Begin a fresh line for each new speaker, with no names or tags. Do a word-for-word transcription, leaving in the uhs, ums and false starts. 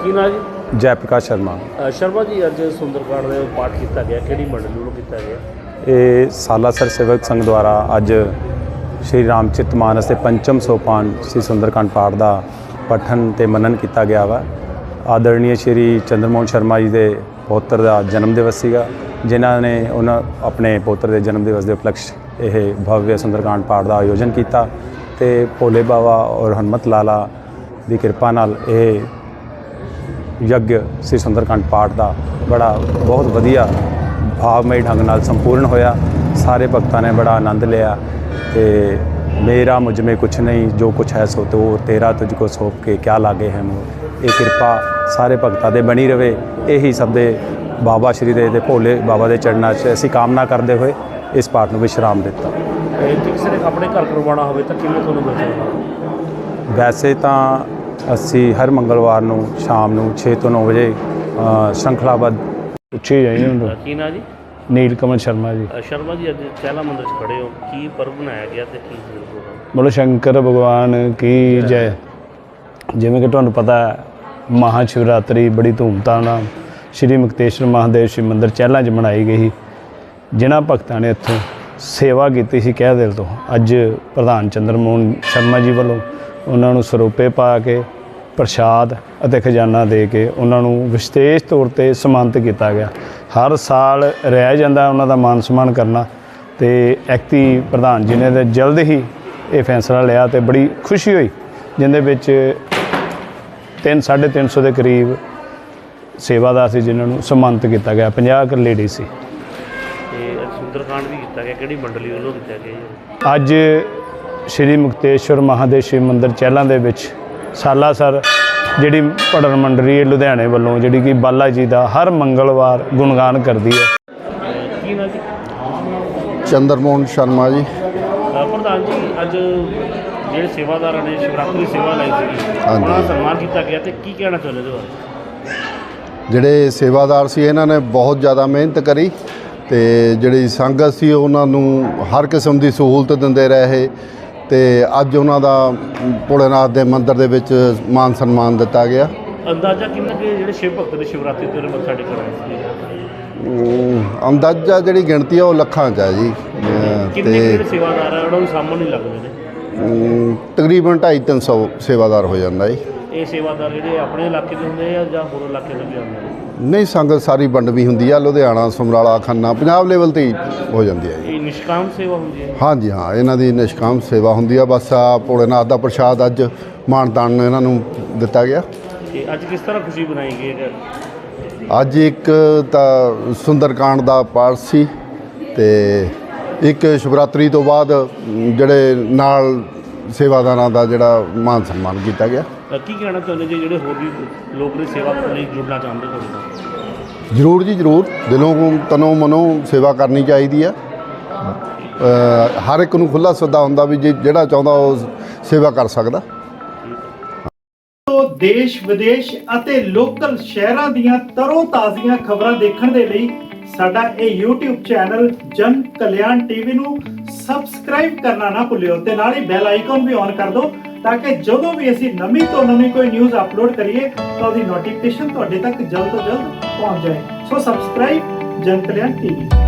ਕੀ ਨਾਂ ਜੀ?
जय प्रकाश शर्मा।
ਅ, ਸ਼ਰਮਾ ਜੀ ਅੱਜ ਸੁੰਦਰਕਾਂਡ ਦੇ ਪਾਠ ਕੀਤਾ ਗਿਆ, ਕਿਹੜੀ ਮੰਡਲੀ ਵੱਲੋਂ ਕੀਤਾ ਗਿਆ?
ਇਹ ਸਾਲਾਸਰ ਸੇਵਕ ਸੰਘ ਦੁਆਰਾ ਅੱਜ ਸ਼੍ਰੀ ਰਾਮਚਰਿਤ ਮਾਨਸ ਦੇ ਪੰਚਮ ਸੋਪਾਨ ਸ਼੍ਰੀ ਸੁੰਦਰਕਾਂਡ ਪਾਠ ਦਾ ਪਠਨ ਤੇ ਮਨਨ ਕੀਤਾ ਗਿਆ ਵਾ। ਆਦਰਣੀय ਸ਼੍ਰੀ ਚੰਦਰਮੋਹਨ ਸ਼ਰਮਾ ਜੀ ਦੇ ਪੋਤਰ ਦਾ ਜਨਮ ਦਿਵਸ ਸੀਗਾ, ਜਿਨ੍ਹਾਂ ਨੇ ਉਹਨਾਂ ਆਪਣੇ ਪੋਤਰ ਦੇ ਜਨਮ ਦਿਵਸ ਦੇ ਉਪਲਕਸ਼ ਇਹ ਭਵਯ ਸੁੰਦਰਕਾਂਡ ਪਾਠ ਦਾ ਆਯੋਜਨ ਕੀਤਾ ਤੇ ਭੋਲੇ ਬਾਬਾ ਔਰ ਹਨੂਮਤ ਲਾਲਾ ਦੀ ਕਿਰਪਾ ਨਾਲ ਇਹ ਯੱਗ ਸ੍ਰੀ ਸੁੰਦਰਕਾਂਡ ਪਾਠ ਦਾ ਬੜਾ ਬਹੁਤ ਵਧੀਆ ਭਾਵਮਈ ਢੰਗ ਨਾਲ ਸੰਪੂਰਨ ਹੋਇਆ। ਸਾਰੇ ਭਗਤਾਂ ਨੇ ਬੜਾ ਆਨੰਦ ਲਿਆ ਤੇ ਮੇਰਾ ਮੁਝ में कुछ नहीं जो कुछ है सो तो तेरा तुझको सौंप के क्या लागे है मोह। ਇਹ ਕਿਰਪਾ ਸਾਰੇ ਭਗਤਾਂ ਦੇ ਬਣੀ ਰਵੇ, ਇਹੀ ਸਭ ਦੇ ਬਾਬਾ ਸ਼੍ਰੀ ਦੇ ਤੇ ਭੋਲੇ ਬਾਬਾ ਦੇ ਚਰਨਾਂ 'ਚ ਅਸੀਂ ਕਾਮਨਾ ਕਰਦੇ ਹੋਏ ਇਸ ਪਾਠ ਨੂੰ ਵਿਸ਼ਰਾਮ ਦਿੱਤਾ।
ਜੇ ਕਿਸੇ ਨੇ ਆਪਣੇ ਘਰ ਕਰਵਾਉਣਾ ਹੋਵੇ ਤਾਂ ਕਿਵੇਂ ਤੁਹਾਨੂੰ ਮਿਲ ਸਕਦਾ?
ਵੈਸੇ ਤਾਂ ਅਸੀਂ ਹਰ ਮੰਗਲਵਾਰ ਨੂੰ ਸ਼ਾਮ ਨੂੰ ਛੇ ਤੋਂ ਨੌ ਵਜੇ ਸ਼੍ਰੰਖਲਾਬੱਧ ਪੁੱਛੀ ਜਾਈ
ਅ, ਕੀ ਨਾਂ ਜੀ?
ਨੀਲ ਕਮਲ ਸ਼ਰਮਾ ਜੀ।
ਅ, ਸ਼ਰਮਾ ਜੀ ਅੱਜ ਚਹਿਲਾ ਮੰਦਿਰ 'ਚ ਖੜੇ ਹੋ, ਕੀ ਪਰਬ ਬਣਾਇਆ ਗਿਆ ਤੇ ਕੀ ਪ੍ਰੋਗਰਾਮ?
ਬੋਲੋ ਸ਼ੰਕਰ ਭਗਵਾਨ ਕੀ ਜੈ। ਜਿਵੇਂ ਕਿ ਤੁਹਾਨੂੰ ਪਤਾ ਹੈ, ਮਹਾ ਸ਼ਿਵਰਾਤਰੀ ਬੜੀ ਧੂਮਧਾਮ ਨਾਲ ਸ਼੍ਰੀ ਮੁਕਤੇਸ਼ਵਰ ਮਹਾਦੇਵ ਸ਼ਿਵ ਮੰਦਿਰ ਚਹਿਲਾਂ 'ਚ ਮਨਾਈ ਗਈ। ਜਿਨ੍ਹਾਂ ਭਗਤਾਂ ਨੇ ਇੱਥੋਂ ਸੇਵਾ ਕੀਤੀ ਸੀ ਕਹਿ ਦਿਲ ਤੋਂ, ਅੱਜ ਪ੍ਰਧਾਨ ਚੰਦਰਮੋਹਨ ਸ਼ਰਮਾ ਜੀ ਵੱਲੋਂ ਉਹਨਾਂ ਨੂੰ ਸਰੋਪੇ ਪਾ ਕੇ ਪ੍ਰਸ਼ਾਦ ਅਤੇ ਖਜ਼ਾਨਾ ਦੇ ਕੇ ਉਹਨਾਂ ਨੂੰ ਵਿਸ਼ੇਸ਼ ਤੌਰ 'ਤੇ ਸਨਮਾਨਿਤ ਕੀਤਾ ਗਿਆ। ਹਰ ਸਾਲ ਰਹਿ ਜਾਂਦਾ ਉਹਨਾਂ ਦਾ ਮਾਨ ਸਨਮਾਨ ਕਰਨਾ, ਅਤੇ ਐਕਤੀ ਪ੍ਰਧਾਨ ਜੀ ਨੇ ਤਾਂ ਜਲਦ ਹੀ ਇਹ ਫੈਸਲਾ ਲਿਆ ਅਤੇ ਬੜੀ ਖੁਸ਼ੀ ਹੋਈ, ਜਿਹਦੇ ਵਿੱਚ ਤਿੰਨ ਸਾਢੇ ਤਿੰਨ ਸੌ ਦੇ ਕਰੀਬ ਸੇਵਾਦਾਰ ਸੀ ਜਿਨ੍ਹਾਂ ਨੂੰ ਸਨਮਾਨਿਤ ਕੀਤਾ ਗਿਆ। ਪੰਜਾਹ ਕੁ ਲੇਡੀ ਸੀ।
ਤੇ ਸੁੰਦਰਕਾਂਡ ਵੀ ਕੀਤਾ ਗਿਆ, ਕਿਹੜੀ ਮੰਡਲੀ ਵੱਲੋਂ ਕੀਤਾ ਗਿਆ ਜੀ?
ਅੱਜ ਸ਼੍ਰੀ ਮੁਕਤੇਸ਼ਵਰ ਮਹਾਦੇਵ ਸ਼ਿਵ ਮੰਦਿਰ ਚਹਿਲਾਂ ਦੇ ਵਿੱਚ ਸਾਲਾਸਰ ਜਿਹੜੀ ਭੜਨ ਮੰਡਲੀ ਲੁਧਿਆਣੇ ਵੱਲੋਂ, ਜਿਹੜੀ ਕਿ ਬਾਲਾ ਜੀ ਦਾ ਹਰ ਮੰਗਲਵਾਰ ਗੁਣਗਾਨ ਕਰਦੀ ਹੈ।
ਕੀ ਨਾਂ ਜੀ?
ਚੰਦਰਮੋਹਨ ਸ਼ਰਮਾ ਜੀ।
ਅ, ਪ੍ਰਧਾਨ ਜੀ ਅੱਜ ਜਿਹੜੇ ਸੇਵਾਦਾਰਾਂ ਨੇ ਸ਼ਿਵਰਾਤਰੀ ਸੇਵਾ ਲਈ ਸੀ,
ਹਾਂਜੀ।
ਉਹਨਾਂ ਦਾ ਸਨਮਾਨ ਕੀਤਾ ਗਿਆ ਤੇ ਕੀ ਕਹਿਣਾ ਚਾਹੁੰਦੇ ਇਹਦੇ ਬਾਰੇ?
ਜਿਹੜੇ ਸੇਵਾਦਾਰ ਸੀ ਇਹਨਾਂ ਨੇ ਬਹੁਤ ਜ਼ਿਆਦਾ ਮਿਹਨਤ ਕਰੀ ਤੇ ਜਿਹੜੀ ਸੰਗਤ ਸੀ ਉਹਨਾਂ ਨੂੰ ਹਰ ਕਿਸਮ ਦੀ ਸਹੂਲਤ ਦਿੰਦੇ ਰਹੇ ਤੇ ਅੱਜ ਉਹਨਾਂ ਦਾ ਭੋਲੇਨਾਥ ਦੇ ਮੰਦਿਰ ਦੇ ਵਿੱਚ ਮਾਨ ਸਨਮਾਨ ਦਿੱਤਾ ਗਿਆ।
ਅੰਦਾਜ਼ਾ ਕਿੰਨਾ ਕਿ ਜਿਹੜੇ ਸ਼ਿਵ ਭਗਤ ਨੇ ਸ਼ਿਵਰਾਤਰੀ ਤੇ ਮੱਥਾ ਟੇਕਣ ਆਏ ਸੀ?
ਅਮ ਅੰਦਾਜ਼ਾ ਜਿਹੜੀ ਗਿਣਤੀ ਆ ਉਹ ਲੱਖਾਂ 'ਚ ਹੈ ਜੀ। ਅਮ
ਕਿੰਨੇ ਕੁ
ਤੇ
ਜਿਹੜੇ ਸੇਵਾਦਾਰ ਆ ਉਹਨਾਂ ਨੂੰ ਸਾਹਮਣੇ ਨਹੀਂ ਲੱਗਦੇ ਨੇ?
ਅਮ ਤਕਰੀਬਨ ਢਾਈ ਤਿੰਨ ਸੌ ਸੇਵਾਦਾਰ ਹੋ ਜਾਂਦਾ ਜੀ।
ਇਹ ਸੇਵਾਦਾਰ ਜਿਹੜੇ ਆਪਣੇ ਇਲਾਕੇ ਦੇ ਹੁੰਦੇ ਆ ਜਾਂ ਹੋਰ ਇਲਾਕੇ ਤੋਂ ਵੀ ਆਉਂਦੇ ਨੇ?
ਨਹੀਂ, ਸੰਗਤ ਸਾਰੀ ਵੰਡਵੀਂ ਹੁੰਦੀ ਆ, ਲੁਧਿਆਣਾ, ਸਮਰਾਲਾ, ਖੰਨਾ, ਪੰਜਾਬ ਲੈਵਲ 'ਤੇ ਹੀ ਹੋ ਜਾਂਦੀ ਹੈ ਜੀ।
ਇਹ ਨਿਸ਼ਕਾਮ ਸੇਵਾ ਹੁੰਦੀ ਹੈ?
ਹਾਂਜੀ ਹਾਂ, ਇਹਨਾਂ ਦੀ ਨਿਸ਼ਕਾਮ ਸੇਵਾ ਹੁੰਦੀ ਆ। ਬਸ ਆ ਭੋਲੇਨਾਥ ਦਾ ਪ੍ਰਸ਼ਾਦ ਅੱਜ ਮਾਣ ਤਾਣ ਇਹਨਾਂ ਨੂੰ ਦਿੱਤਾ ਗਿਆ।
ਤੇ ਅੱਜ ਕਿਸ ਤਰ੍ਹਾਂ ਖੁਸ਼ੀ ਬਣਾਈ ਗਈ ਹੈ?
ਅੱਜ ਇੱਕ ਤਾਂ ਸੁੰਦਰਕਾਂਡ ਦਾ ਪਾਠ ਸੀ ਤੇ ਇੱਕ ਸ਼ਿਵਰਾਤਰੀ ਤੋਂ ਬਾਅਦ ਜਿਹੜੇ ਨਾਲ ਸੇਵਾਦਾਰਾਂ ਦਾ ਜਿਹੜਾ ਮਾਨ ਸਨਮਾਨ ਕੀਤਾ ਗਿਆ।
ਅ, ਕੀ ਕਹਿਣਾ ਚਾਹੁੰਦੇ ਜੀ ਜਿਹੜੇ ਹੋਰ ਵੀ ਲੋਕ ਨੇ ਸੇਵਾ ਲਈ ਜੁੜਨਾ ਚਾਹੁੰਦੇ ਤੁਹਾਡੇ ਨਾਲ?
ਜ਼ਰੂਰ ਜੀ ਜ਼ਰੂਰ, ਦਿਲੋਂ ਤਨੋਂ ਮਨੋਂ ਸੇਵਾ ਕਰਨੀ ਚਾਹੀਦੀ ਆ। ਅ, ਹਰ ਇੱਕ ਨੂੰ ਖੁੱਲ੍ਹਾ ਸੱਦਾ ਹੁੰਦਾ ਵੀ ਜੇ ਜਿਹੜਾ ਚਾਹੁੰਦਾ ਉਹ ਸੇਵਾ ਕਰ ਸਕਦਾ।
ਦੇਸ਼ ਵਿਦੇਸ਼ ਅਤੇ ਲੋਕਲ ਸ਼ਹਿਰਾਂ ਦੀਆਂ ਤਰੋ ਤਾਜ਼ੀਆਂ ਖਬਰਾਂ ਦੇਖਣ ਦੇ ਲਈ ਸਾਡਾ ਇਹ YouTube ਚੈਨਲ ਜਨ ਕਲਿਆਣ ਟੀਵੀ ਨੂੰ ਸਬਸਕ੍ਰਾਈਬ ਕਰਨਾ ਨਾ ਭੁੱਲਿਓ ਤੇ ਨਾਲ ਹੀ ਬੈਲ ਆਈਕਨ ਵੀ ਔਨ ਕਰ ਦਿਓ ਤਾਂ ਕਿ ਜਦੋਂ ਵੀ ਅਸੀਂ ਨਵੀਂ ਤੋਂ ਨਵੀਂ ਕੋਈ ਨਿਊਜ਼ ਅਪਲੋਡ ਕਰੀਏ ਤਾਂ ਉਹਦੀ ਨੋਟੀਫਿਕੇਸ਼ਨ ਤੁਹਾਡੇ ਤੱਕ ਜਲਦ ਤੋਂ ਜਲਦ ਪਹੁੰਚ ਜਾਏ। ਸੋ ਸਬਸਕ੍ਰਾਈਬ ਜਨ ਕਲਿਆਣ ਟੀਵੀ।